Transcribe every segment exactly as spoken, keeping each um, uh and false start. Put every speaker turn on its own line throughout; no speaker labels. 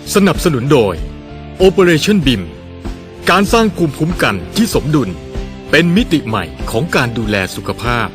สนับสนุนโดย Operation บี ไอ เอ็ม การสร้างภูมิคุ้มกันที่สมดุลเป็นมิติใหม่ของการดูแลสุขภาพ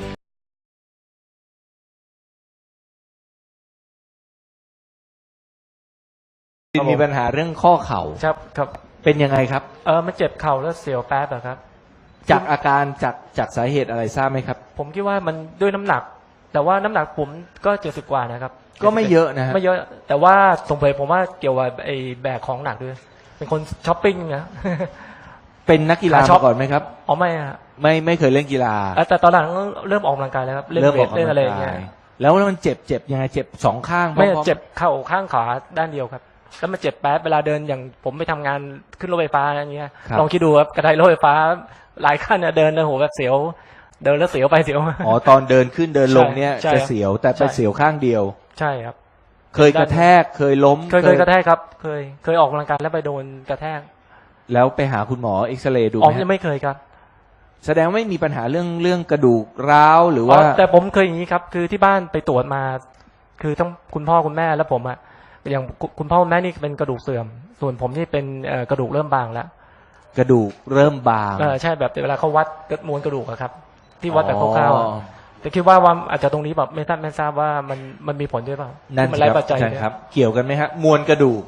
มีปัญหาเรื่องข้อเข่า
ครับครับ
เป็นยังไงครับ
เออมันเจ็บเข่าแล้วเสียวแป๊บอะครับ
จากอาการจากจากสาเหตุอะไรทราบไหมครับ
ผมคิดว่ามันด้วยน้ำหนัก แต่ว่าน้ำหนักผมก็เจ็ดสิบกว่านะครับ
ก็ไม่เยอะนะฮะ
ไม่เยอะ แต่ว่าสงสัยผมว่าเกี่ยวกับไอ้แบกของหนักด้วย เป็นคนช้อปปิ้งนะ
เป็นนักกีฬา
ขาช็อป
มาก่อนไหมครับ
อ๋อไม่อะ
ไม่ไม่เคยเล่นกีฬา
เอ่อแต่ตอนหลังเริ่มออกกำลังกายแล้วครับเล่น
เริ่ม
เว
ออ
ท
ก
เล่น
กำลั
อะไร
ง
อย่างเงี้
กาย ยแล้วมันเจ็บเจ็บยังไงเจ็บสองข้าง
ไม่
พร้อๆ
เจ็บเข่าข้างขาด้านเดียวครับ แล้วมันเจ็บแป๊บเวลาเดินอย่างผมไปทำงานขึ้นรถไฟฟ้าอย่างเงี้ย
ครับ
ลองคิดดูครับกระไดรถไฟฟ้าหลายขั้นเนี่ยเดินแล้วโหแบบเสียว เดินแล้วเสียวไปเสียวมา
อ๋อตอนเดินขึ้นเดินลงเนี่ย
ใช่
จะเสียวแต่ไป
ใช่
เสียวข้างเดียว
ใช่ครับ
เคยกระแทกเคยล้ม
เคยเคยกระแทกครับ เคยเคยออกกำลังกายแล้วไปโดนกระแทก
แล้วไปหาคุณหมอเอ็กซเรย์ดู
อ๋อ
ไหม
ยัง
ฮะ
ไม่เคยครับ
แสดงว่าไม่มีปัญหาเรื่องเรื่องกระดูกร้าวหรือว่า
อ๋อแต่ผมเคยอย่างนี้ครับ คือที่บ้านไปตรวจมา คือทั้งคุณพ่อคุณแม่และผมอะอย่างคุณคุณพ่อคุณแม่นี่เป็นกระดูกเสื่อม ส่วนผมนี่เป็นเอ่อกระดูกเริ่มบางแล้ว
กระดูกเริ่มบาง
เออใช่แบบเวลาเขาวัดมวลกระดูกอะครับ ที่วัดแบบคร่าวๆ
อ๋
อะ
อ
แต่คิดว่าว่าอาจจะตรงนี้แบบไม่ทราบไม่ทราบว่ามันมันมีผลด้วยเปล่า
นั่น
มั
สิ
ไร้
ครับ
ปัจจัย
ใช่
เนี่ย
ครับ เกี่ยวกันไหมฮะมวลกระดูก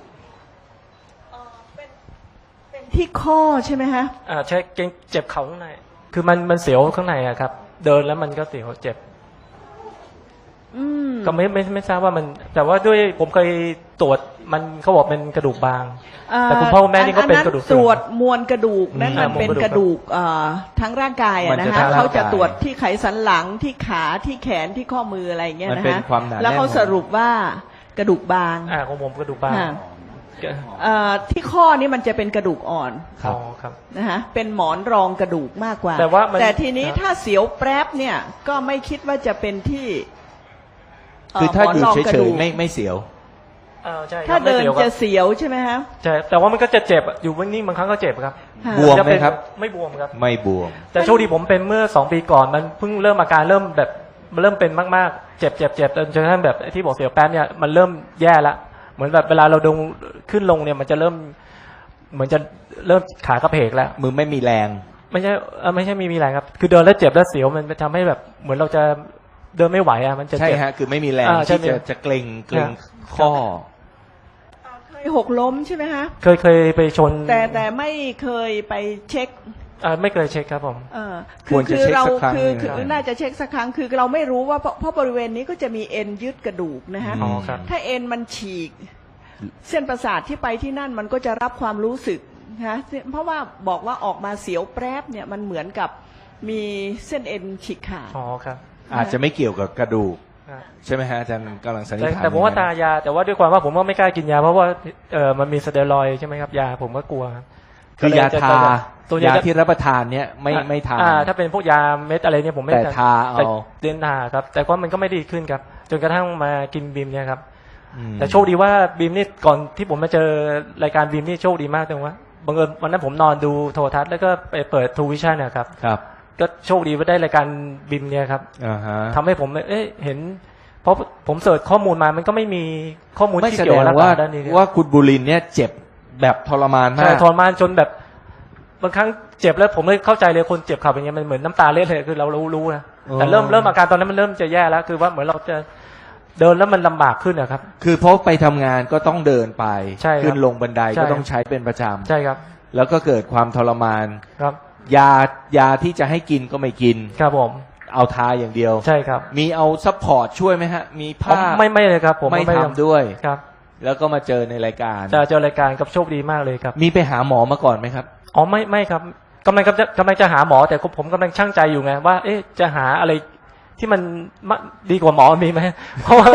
เป็นที่ข้อใช่ไหมฮะ
อ่าใช่เกร็งเจ็บเข่าข้างใน คือมันมันเสียวข้างในอะครับ เดินแล้วมันก็เสียวเจ็บ
อืม
ก็ไม่ไม่ไม่ทราบว่ามัน แต่ว่าด้วยผมเคยตรวจมันเขาบอกเป็นกระดูกบาง แต่คุณพ่อคุณแม่นี่ก็เป็นกระดูกเสื่อม
ตรวจมวลกระดูกนั่น
อืม
มันเป็น
มวล
ก
ก
ระ
ระดู
ดู
ก
กเอ่อทั้งร่างกาย
มั
อะ
น
นะ
จะ
ฮะ
ทั้งร่างกาย
เขาจะตรวจที่ไขสันหลังที่ขาที่แขนที่ข้อมืออะไรอย่างเงี้ย
มัน
นะ
เป็น
ฮะ
ความหนาแน่น
แล้วเขาสรุปว่ากระดูกบาง
อ่าของผมกระดูกบาง
ค่ะเอ่อที่ข้อนี่มันจะเป็นกระดูกอ่อน
ครับ
อ๋อครับ
นะฮะเป็นหมอนรองกระดูกมากกว่า
แต่ว่ามัน
แต่ทีนี้
ครับ
ถ้าเสียวแปรบเนี่ยก็ไม่คิดว่าจะเป็นที่เ
คือถ้าอยู่
หมนรงกระ
เฉ
ดู
ย
ก
ๆไม่ไม่เสียว
อ่าใช่ครับ
ถ้าเดิน
ไม่สียวค
จะ
รับ
เสียวใช่ไหมฮะ
ใช่ แต่ว่ามันก็จะเจ็บอะอยู่นิ่งๆบางครั้งก็เจ็บครับ
ค่ะ
บวม
จะ
ไหม
เป็น
ครับ
ไม่บวมครับ
ไม่บวม
แต่โชคดีผมเป็นเมื่อสองปีก่อนมันเพิ่งเริ่มอาการเริ่มแบบมันเริ่มเป็นมากๆ เจ็บเจ็บเจ็บจนกระทั่งแบบไอ้ที่บอกเสียวแป๊บเนี่ยมันเริ่มแย่ละเหมือนแบบเวลาเราดงขึ้นลงเนี่ยมันจะเริ่ม เหมือนจะเริ่มขากระเพกแล้ว
มือไม่มีแรง
ไม่ใช่เอ่อไม่ใช่มีมีอะไรครับ คือเดินแล้วเจ็บแล้วเสียวมันทำให้แบบเหมือนเราจะเดินไม่ไหวอ่ะมันจะ
ใช่
เจ็บ
ฮะคือไม่มีแรง
อ่าใช่
ที่จะ
มี
จะเกร็งเกร็ง
ฮะ
ข้อ
เคยหกล้มใช่ไหมฮะ
เคยเคยไปชน
แต่แต่ไม่เคยไปเช็ค
อ่าไม่เคยเช็คครับผม
เออ
ควรจะ
คือ
เช็ค
เรา
สักครั้ง
คือ
หนึ่ง
คือ
ครับ
น่าจะเช็คสักครั้งคือเราไม่รู้ว่าเพราะเพราะบริเวณนี้ก็จะมีเอ็นยึดกระดูกนะฮะ
อ๋อครับ
ถ้าเอ็นมันฉีก เส้นประสาทที่ไปที่นั่นมันก็จะรับความรู้สึกนะเพราะว่าบอกว่าออกมาเสียวแปรบเนี่ยมันเหมือนกับมีเส้นเอ็นฉีกขาด
อ๋อครับ
อาจจะไม่เกี่ยวกับกระดูก
อ่า
ใช่ไหมฮะอาจารย์กำลังสันนิษ
แต่
ฐาน
แต่ผมว่า
อย่ง
ตา
นั้น
ยา แต่ว่าด้วยความว่าผมก็ไม่กล้ากินยาเพราะว่าเออมันมีสเตียรอยด์ใช่ไหมครับยาผมก็กลัวครับ
คือยา
ก็เลยจะ
ทา
ตัวย
า
จะ
ที่รับประทานเนี่ยไม่
อ่ะ
ไม่ทาน
อ่าถ้าเป็นพวกยาเม็ดอะไรเนี่ยผมไม่
แต่ทาเอา
แต่เดินทาครับ แต่ว่ามันก็ไม่ดีขึ้นครับ จนกระทั่งมากินบีมเนี่ยครับ
อืม
แต่โชคดีว่าบีมนี่ก่อนที่ผมมาเจอรายการบีมนี่โชคดีมากตรงว่าบังเอิญวันนั้นผมนอนดูโทรทัศน์แล้วก็ไปเปิดทูวิชั่นนะครับ
ครับ
ก็โชคดีว่าได้รายการบีมเนี่ยครับ
อ่าฮะ
ทำให้ผมเอ๊ะเห็น เพราะผมเสิร์ชข้อมูลมามันก็ไม่มีข้อมูล
ไม่
ที่
แส
เกี่
ด
ยว
ง
กับรัก
ว่า
ษาด้านนี้เลย
ว่าคุณบุรินทร์เนี่ยเจ็บแบบทรมานมา
ใช่
ก
ทรมานจนแบบบางครั้งเจ็บแล้วผมเลยเข้าใจเลยคนเจ็บเข่าเป็นยังไงมันเหมือนน้ำตาเล็ดเลยคือเรารู้รู้นะแต่เริ่มเริ่มอาการตอนนั้นมันเริ่มจะแย่แล้ว คือว่าเหมือนเราจะเดินแล้วมันลำบากขึ้นนะครับ
คือเพราะไปทำงานก็ต้องเดินไป
ใช่ครับ
ขึ้นลงบันได
ใช่
ก็ต้องใช้เป็นประจ
ใช่ครับ
ำแล้วก็เกิดความทรมาน
ครับ
ยายาที่จะให้กินก็ไม่กิน
ครับผม
เอาทาอย่างเดียว
ใช่ครับ
มีเอาซัพพอร์ตช่วยไหมฮะ มี
ผม
ผ้า
ไม่ไม่เลยครับ ผม
ไม่
ด้
ทำด้วย
ครับ
แล้วก็มาเจอในรายการ
จะเจอรายการกับโชคดีมากเลยครับ
มีไปหาหมอมาก่อนไหมครับ
อ๋อไม่ไม่ครับกำลังกำลังกำลังจะหาหมอแต่ผมกำลังช่างใจอยู่ไงว่า เอ๊ะจะหาอะไรที่มันมะดีกว่าหมอมีไหมเพราะว่า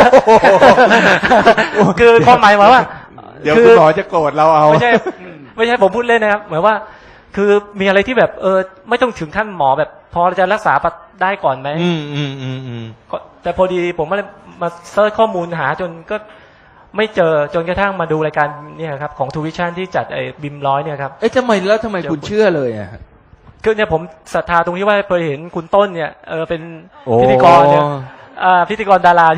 คือความหมายว่า
เดี๋ยว
คื
คุณหมอจะโกรธเราเอา
ไม่ใช่ไม่ใช่ผมพูดเล่นนะครับเหมือนว่า คือมีอะไรที่แบบเออไม่ต้องถึงขั้นหมอแบบ พอจะรักษาได้ก่อนไหม
อืมอืมอืมอืม
ก็แต่พอดีผมก็เลยมาเซิร์ชข้อมูลหาจนก็ไม่เจอจนกระทั่งมาดูรายการเนี่ยครับของทูวิชั่นที่จัดไอ้บิมร้อยเนี่ยครับ
เอ๊ะทำไมแล้วทำไมคุณเชื่อเลยอ่ะ
คือเนี่ยผมศรัทธาตรงที่ว่าเคยเห็นคุณต้นเนี่ยเออเป็น
โอ้
พิธีกรเนี่ยอ่าพิธีกรดาราที่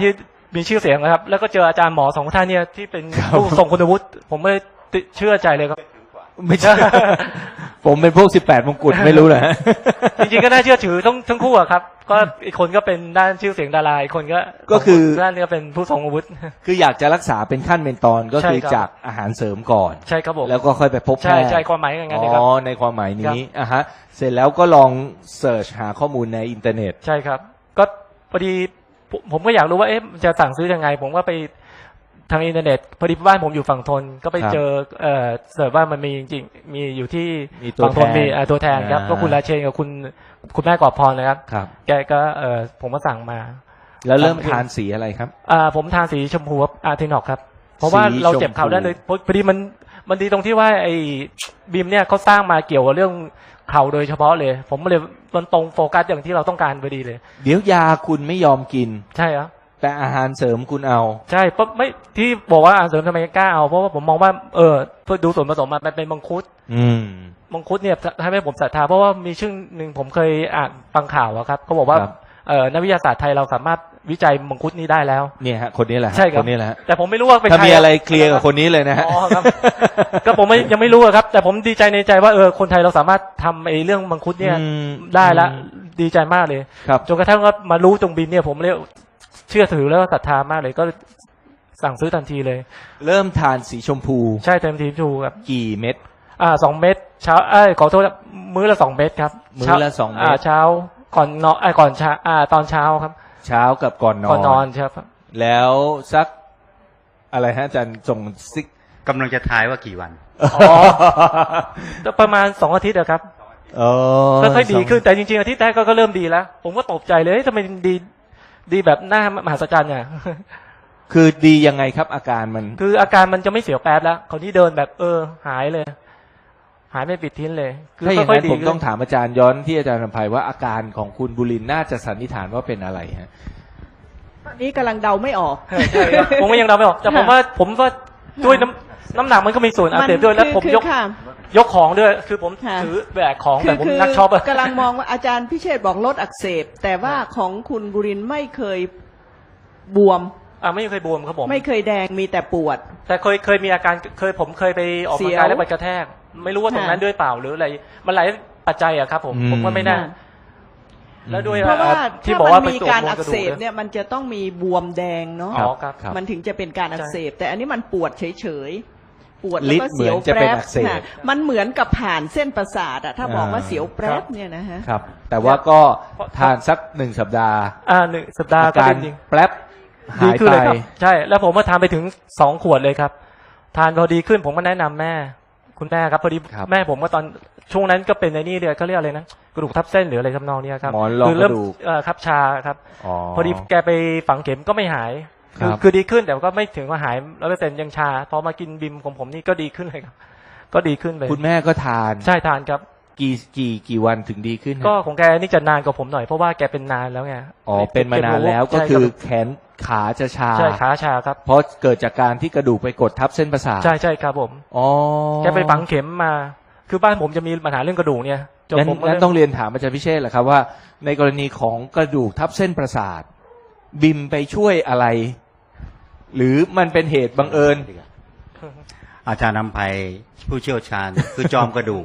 มีชื่อเสียงนะครับ แล้วก็เจออาจารย์หมอสองท่านเนี่ยที่เป็น
ครับ
ผู้ทรงคุณวุฒิผมไม่ได้ติเชื่อใจเลยครับ
ไม่ใช่ ผมเป็นพวกสิบแปดมงกุฎไม่รู้เหรอฮะ
จริงๆก็น่าเชื่อถือทั้งทั้งคู่อะครับ ก็อีกคนก็เป็นด้านชื่อเสียงดาราอีกคนก็
ก็คือ
ด้านนี้ก็เป็นผู้ทรงอาวุธ
คืออยากจะรักษาเป็นขั้นเป็นตอนก็คือ
ใช่ครับ
จากอาหารเสริมก่อน
ใช่ครับผม
แล้วก็ค่อยไปพบแพ
ใช่
ทย์
ใช่ความหมายอย่างนั้น
อ๋
นะครับ
อในความหมาย
ครั
นี้
บ
อ่ะฮะเสร็จแล้วก็ลองเสิร์ชหาข้อมูลในอินเทอร์เน็ต
ใช่ครับ ก็พอดีผมผมก็อยากรู้ว่าเอ๊ะมันจะสั่งซื้อยังไง ผมก็ไปทางอินเทอร์เน็ตพอดีบ้านผมอยู่ฝั่งทนก็ไป
ครับ
เจอเอ่อเสิร์ชว่ามันมีจริงๆมีอยู่ที่
มีตัว
ฝั่งทน
แทน
มีอ่าตัวแทนครับ
อ่า
ก็คุณราเชนกับคุณคุณแม่กอบพรนะครับ
ครับ
แกก็เอ่อผมก็สั่งมา
แล้วเริ่มทานสีอะไรครับ
อ่าผมทานสีชมพูครับอาร์เทนอกครับ เพราะว่า
สี
เราเจ็บเข่า
ชมพู
ได้เลยพอพอดีมันมันดีตรงที่ว่าไอ้บีมเนี่ยเขาสร้างมาเกี่ยวกับเรื่องเข่าโดยเฉพาะเลย ผมเลยมันตรงโฟกัสอย่างที่เราต้องการพอดีเลย
เดี๋ยวยาคุณไม่ยอมกิน
ใช่ครับ
แต่อาหารเสริมคุณเอา
ใช่เพราะไม่ที่บอกว่าอาหารเสริมทำไมกล้าเอาเพราะว่าผมมองว่าเออเพื่อดูส่วนผสมมันเป็นมังคุด
อืม
มังคุดเนี่ยทำให้ผมศรัทธาเพราะว่ามีชื่อหนึ่งผมเคยอ่านฟังข่าวอะครับเขาบอกว่า
ครับ
เออนักวิทยาศาสตร์ไทยเราสามารถวิจัยมังคุดนี้ได้แล้ว
เนี่ยฮะคนนี้แหละฮะ
ใช่ครับ
คนนี้แหละฮะ
แต่ผมไม่รู้ว่าเป็น
ถ้า
ใคร
มีอะไรเคลียร์กับคนนี้เลยนะฮะ
อ๋อครับ ก็ผมไม่ยังไม่รู้อะครับ แต่ผมดีใจในใจว่าเออคนไทยเราสามารถทำไอ้เรื่องมังคุดเนี่ย
อืม
ได้ละ
อืม
ดีใจมากเลย
ครับ
จนกระทั่งว่ามารู้ตรงบินเนี่ยผมเลยเชื่อถือแล้วก็ศรัทธามากเลยก็สั่งซื้อทันทีเลย
เริ่มทานสีชมพู
ใช่เต็มทีมชูครับ
กี่เม็ด
อ่าสองเม็ดเช้าเอ้ยขอโทษครับมื้อละสองเม็ดครับ
มื้อละสองเม็ด
อ่าเช้าก่อนนอนไอ้ยก่อนเช้าอ่าตอนเช้าครับ
เช้ากับก่อนนอน
ก่อนนอนครับ
แล้วสักอะไรฮะอาจารย์ส่งซิก
กำลังจะทายว่ากี่วัน
อ๋อ ประมาณสองอาทิตย์อะครับ
อ๋อ
ค่อยๆดีขึ้นแต่จริงๆอาทิตย์แรกก็ก็เริ่มดีแล้ว ผมก็ตกใจเลยเฮ้ยทำไมดีดีแบบหน้ามหัศจรรย์เนี่ย
คือดียังไงครับอาการมัน
คืออาการมันจะไม่เสียวแป๊บแล้วคราวนี้เดินแบบเออ หายเลย หายไม่ปิดทิ้นเลย คื
ถ้าอย่าง
ค่อย
นั้น
ๆดี
ผมต้องถามอาจารย์ย้อนที่อาจารย์นำภัยว่าอาการของคุณบุรินทร์น่าจะสันนิษฐานว่าเป็นอะไรฮะ
ตอนนี้กำลังเดาไม่ออก
ใช่ใช่ครับผมก็ยังเดาไม่ออกแต่ผมว่าผมว่าด้วยน้ำน้ำหนักมันก็มีส่วนอักเสบด้วยแล้วผม
คือย
ก
ค่ะ
ยกของด้วย คือผม
ค่ะ
ถือแบกของ
คื
แต่ผม
คือ
นักช็อปอะ
กำลังมองว่าอาจารย์พิเชษฐ์บอกลดอักเสบ แต่ว่าของคุณบุรินทร์ไม่เคยบวม
อ่าไม่เคยบวมครับผม
ไม่เคยแดงมีแต่ปวด
แต่เคยเคยมีอาการเคยผมเคยไปออกกำลังกายแล้วไปกระแทก ไม่รู้ว่าตรงนั้น
ค่ะ
ด้วยเปล่าหรืออะไรมันหลายปัจจัยอะครับผม
อืม
ผมก็ไม่แน่
ค่ะ
แล้วด้วย
เพราะว่า
ที่
ถ้า
บอก
มั
ว่าน ไป
มี
ตรวจ
การ
มวล
อั
ก
ก
ระดู
เส
ก
บเนี่ยมันจะต้องมีบวมแดงเนาะ
อ๋อครับ
ครับ
มันถึงจะเป็นการอักเสบ แต่อันนี้มันปวดเฉยๆปวด
ฤ
แล้ว
ทธิ์
ก็เสียว
เหมือนจะ
แป
เป็น
รบ
อักเสบ
ค่ะมันเหมือนกับผ่านเส้นประสาทอะถ้าบอกว่า
อ่า
เสียวแปรบเนี่ยนะฮะ
ครับ แต่ว่าก็ทานสักหนึ่งสัปดาห์
อ่าหนึ่งสัปดาห์
อา
ก็
การ
เป็นจริง
แป๊บ
ดี
หาย
ขึ้น
ไป
เลยครับใช่ แล้วผมก็ทานไปถึงสองขวดเลยครับ ทานพอดีขึ้นผมก็แนะนำแม่ คุณแม่ครับพอดี
ครับ
แม่ผมก็ตอนช่วงนั้นก็เป็นในนี่เดียเขาเรียกอะไรนะกระดูกทับเส้นหรืออะไรทำนองเนี้ยครับ
หมอนรอง
คืเริ่ม
กระดูก
เอ่อครับชาครับ
อ๋อ
พอดีแกไปฝังเข็มก็ไม่หาย
ครับ
คือดีขึ้นแต่ก็ไม่ถึงว่าหายร้อยเปอร์เซ็นต์ยังชาพอมากินบิมของผมนี่ก็ดีขึ้นเลยครับ ก็ดีขึ้นเลย
คุณแม่ก็ทาน
ใช่ทานครับ
กี่กี่กี่วันถึงดีขึ้นฮะ
ก็ของแกนี่จะนานกว่าผมหน่อยเพราะว่าแกเป็นนานแล้วไง
อ๋อเป็นมานานแล้วก็
ใช่
คือ
รับ
แขนขาจะชา
ใช่ขาชาครับ
เพราะเกิดจากการที่กระดูกไปกดทับเส้นประสาท
ใช่ใช่ครับผม
อ๋อ
แกไปฝังเข็มมา คือบ้านผมจะมีปัญหาเรื่องกระดูกเนี่ยจน
งั้น
ผมก็
งั้นต้องเรียนถามอาจารย์พิเชษฐ์แหละครับว่า ในกรณีของกระดูกทับเส้นประสาท บิมไปช่วยอะไร หรือมันเป็นเหตุบังเอิญ
อาจารย์นำภัยผู้เชี่ยวชาญ คือจอมกระดูก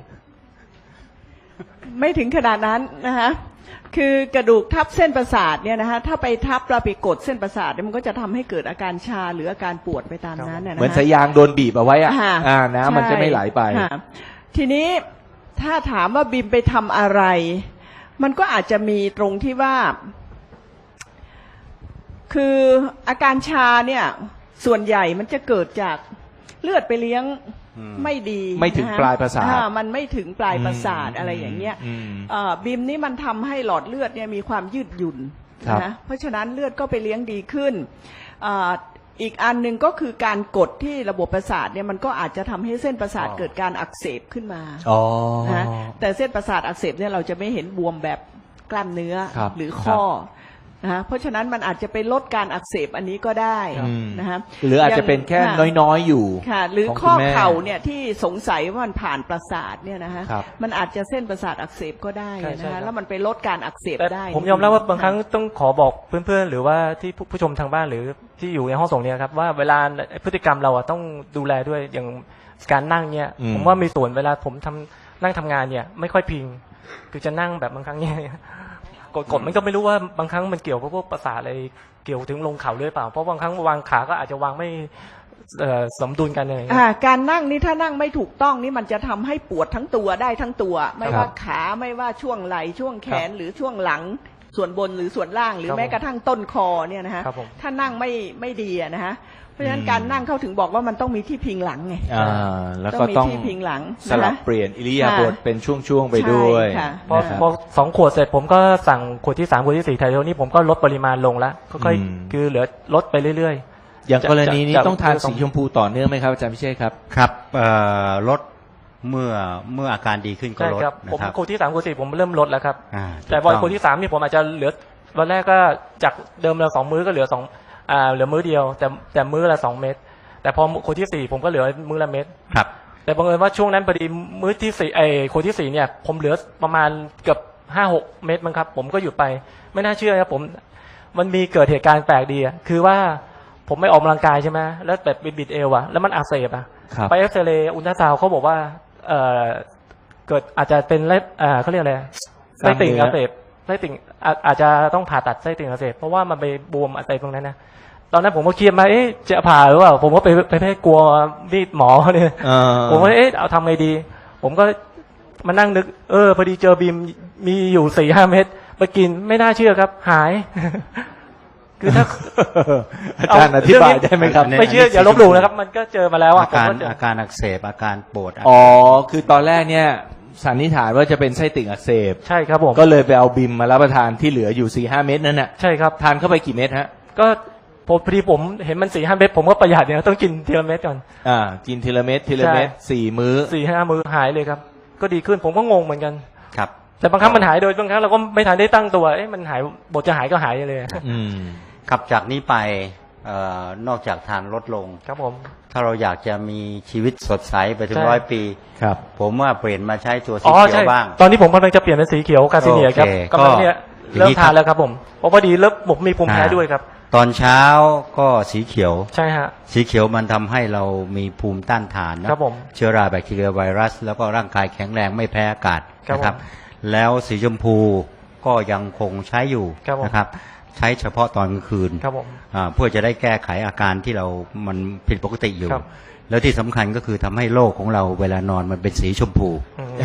ไม่ถึงขนาดนั้นนะคะคือกระดูกทับเส้นประสาทเนี่ยนะคะถ้าไปทับเราไปกดเส้นประสาทเนี่ยมันก็จะทำให้เกิดอาการชาหรืออาการปวดไปตามนั้นนะ
เหมือน
นะคะ
สายยางโดนบีบเอาไว้อะ
ค่ะ
อ่าน้ำมันจะไม่ไหลไป
ค่ะทีนี้ถ้าถามว่าบิมไปทำอะไร มันก็อาจจะมีตรงที่ว่า คืออาการชาเนี่ย ส่วนใหญ่มันจะเกิดจากเลือดไปเลี้ยง
อืม
ไม่ดี
ไม่ถึง
นค
ปลายประสาท
อ่มันไม่ถึงปลายประสาท
อืม
อะไรอย่างเงี้ย
อืม
เอ่อบิมนี่มันทำให้หลอดเลือดเนี่ยมีความยืดหยุ่น
ครับ
นะเพราะฉะนั้นเลือดก็ไปเลี้ยงดีขึ้นอ่าอีกอันหนึ่งก็คือการกดที่ระบบประสาทเนี่ยมันก็อาจจะทำให้เส้นประสาทเกิดการอักเสบขึ้นมา
อ๋อ
นะแต่เส้นประสาทอักเสบเนี่ยเราจะไม่เห็นบวมแบบกล้ามเนื้อ
ครับ
หรือข้อนะฮะเพราะฉะนั้นมันอาจจะไปลดการอักเสบอันนี้ก็ได้
อืม
นะฮะ
หรืออาจจะเป็นแค่
ค่ะ
น้อยๆอยู่
ค่ะ หรือ
ของ
ข้อ
คุณแม่
เข่าเนี่ยที่สงสัยว่ามันผ่านประสาทเนี่ยนะฮะ
ครับ
มันอาจจะเส้นประสาทอักเสบก็ได้
ใช่ใช่
นะ
ครั
ฮะ
บ
แล้วมันไปลดการอักเสบ
แต่
ได้
ผมยอมรับว่าบางครั้งต้องขอบอกเพื่อนๆหรือว่าที่ผู้ผู้ชมทางบ้านหรือที่อยู่ในห้องส่งเนี่ยครับว่าเวลาพฤติกรรมเราอะต้องดูแลด้วยอย่างการนั่งเนี่ย
อืม
ผมว่ามีส่วนเวลาผมทำนั่งทำงานเนี่ยไม่ค่อยพิง คือจะนั่งแบบบางครั้งเนี่ยกดกดมันก็ไม่รู้ว่าบางครั้งมันเกี่ยวกับพวกประสาทอะไรเกี่ยวถึงลงเข่าด้วยเปล่าเพราะบางครั้งวางขาก็อาจจะวางไม่เอ่อสมดุลกันอะไรอย่างเงี้
อ่าย การนั่งนี่ถ้านั่งไม่ถูกต้องนี่มันจะทำให้ปวดทั้งตัวได้ทั้งตัว ไม่
ครั
ว่า
บ
ขาไม่ว่าช่วงไหล่ช่วงแขน
ครับ
หรือช่วงหลังส่วนบนหรือส่วนล่าง หรือ
ครับ
แม้กระทั่งต้นคอเนี่ยนะฮะ
ครับผม
ถ้านั่งไม่ไม่ดีอะนะฮะเพราะฉะนั้น
อืม
การนั่งเข้าถึงบอกว่ามันต้องมีที่พิงหลังไง
อ่าแล้ว
ต้
ก็
องมี
ต้อง
ที่พิงหลัง
สลับ
นะ
เปลี่ยนอิริยาบถ
ค่ะ
เป็นช่วงๆไปด้วย
ใช่ค่ะ
พอ
นะครับ
พอสองขวดเสร็จผมก็สั่งขวดที่สามขวดที่สี่ไทโทนี่ผมก็ลดปริมาณลงแล้วค่อย
อืม
ๆคือเหลือลดไปเรื่อย
อย่างกรณีนี้
จะจะ
ต้องทาน
จะ
สีชมพูต่อเนื่องไหมครับอาจารย์พิเชษครับ
ครับเอ่อลดเมื่อเมื่ออาการดีขึ้น
ๆ
ก็
ใช่
ลด
ครับ
นะ
ผม
ครับ
ขวดที่สามขวดที่สี่ผมเริ่มลดแล้วครับ
อ่า
แต่วัน
ถูก
ขวดที่สามนี่ผมอาจจะเหลือวันแรกก็จากเดิมเราสองมื้อก็เหลือสองอ่าเหลือมื้อเดียว แต่แต่มื้อละสองเม็ดแต่พอขวดที่สี่ผมก็เหลือมื้อละเม็ด
ครับ
แต่บังเอิญว่าช่วงนั้นพอดีมื้อที่สี่ไอ้ขวดที่สี่เนี่ยผมเหลือประมาณเกือบห้าหกเม็ดมั้งครับ ผมก็หยุดไปไม่น่าเชื่อครับผมมันมีเกิดเหตุการณ์แปลกดีอะคือว่าผมไม่ออกกำลังกายใช่ไหมแล้วแบบบิดเอวอะแล้วมันอักเสบอะ
ครับ
ไปเอ็กซเรย์อุลตราซาวด์เขาบอกว่าเอ่อเกิดอาจจะเป็นเล็บอ่าเขาเรียกอะไรไส้ติ่งอักเสบไส้ติ่งอาอาจจะต้องผ่าตัดไส้ติ่งอักเสบเพราะว่ามันไปบวมอะไรตรงนั้นนะตอนนั้นผมก็เครียดมาเอ๊ะจะผ่าหรือเปล่าผมก็ไปไปไปกลัวมีดหมอเนี่ย
เออ
ผมก็เอ๊ะเอาทำไงดี ผมก็มานั่งนึก เออพอดีเจอบีมมีอยู่สี่ห้าเม็ดไปกินไม่น่าเชื่อครับ หาย คือถ้า
อาจารย์อธิบายได้ไหมครับ
ไม่เชื่ออย่าลบหลู่นะครับ มันก็เจอมาแล้วอ่ะ
อา
ผม
การ
ก็เจอ
อาการอักเสบอาการปวด
อ๋อ คือตอนแรกเนี่ยสันนิษฐานว่าจะเป็นไส้ติ่งอักเสบ
ใช่ครับผม
ก็เลยไปเอาบิมมารับประทานที่เหลืออยู่สี่ห้าเม็ดนั่นน่ะ
ใช่ครับ
ทานเข้าไปกี่เม็ดฮะ
ก็พอพอดีผมเห็นมันสี่ห้าเม็ดผมก็ประหยัดเนี่ยต้องกินทีละเม็ดก่อน
อ่า กินทีละเม็ดทีละเม็ด
ใช่
สี่มื้อ
สี่ห้ามือหายเลยครับ ก็ดีขึ้นผมก็งงเหมือนกัน
ครับ
แต่บางครั้งมันหายโดยบางครั้งเราก็ไม่ทันได้ตั้งตัวเอ๊ะมันหายบทจะหายก็หายเลย
อืม
ครับจากนี้ไปเอ่อนอกจากทานลดลง
ครับผม
ถ้าเราอยากจะมีชีวิตสดใสไปถึง
ใช่
ร้อยปี
ครับ
ผมว่าเปลี่ยนมาใช้ตัวสี
อ๋อ
เขีย
ใช่
วบ้าง
ตอนนี้ผมกำลังจะเปลี่ยนเป็นสีเขียวกาซิเนียครับ
โอเค
กำลังเนี่ย
ก็
เริ่ม
อย่างนี้
ทานแล้วครับผมเพราะพอดีเริ่มผมมีภูมิแพ้
อ่า
ด้วยครับ
ตอนเช้าก็สีเขียว
ใช่ฮะ
สีเขียวมันทำให้เรามีภูมิต้านทานนะครับ
ผม
เชื้อราแบคทีเรียไวรัส แล้วก็ร่างกายแข็งแรงไม่แพ้อากาศ
ครับ
นะครับ
ผม
แล้วสีชมพูก็ยังคงใช้อยู่
ครับผม
นะครับ ใช้เฉพาะตอนกลางคืน
ครับผม
อ่าเพื่อจะได้แก้ไขอาการที่เรามันผิดปกติอยู่
ครับ
แล้วที่สำคัญก็คือทำให้โลกของเราเวลานอนมันเป็นสีชมพู
อืม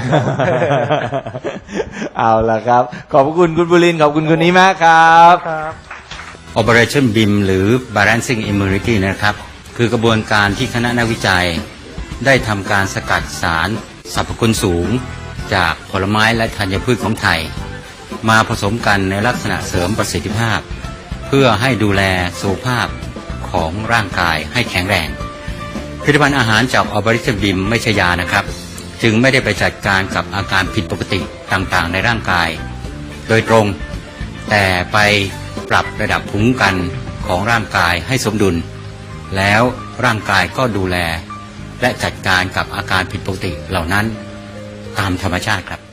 เอาละครับ ขอบพระคุณคุณบุรินทร์ขอบคุณคุณนี้มากครับ
ครับ
Operationบี เอ็ม หรือ Balancing Immunity นะครับ คือกระบวนการที่คณะนักวิจัย ได้ทำการสกัดสารสรรพคุณสูง จากผลไม้และธัญพืชของไทย มาผสมกันในลักษณะเสริมประสิทธิภาพ เพื่อให้ดูแลสุขภาพของร่างกายให้แข็งแรงผลิตภัณฑ์อาหารจาก Operationบี เอ็ม ไม่ใช่ยานะครับ จึงไม่ได้ไปจัดการกับอาการผิดปกติต่างๆ ในร่างกาย โดยตรง แต่ไปปรับระดับภูมิคุ้มกันของร่างกายให้สมดุล แล้วร่างกายก็ดูแล และจัดการกับอาการผิดปกติเหล่านั้นตามธรรมชาติครับ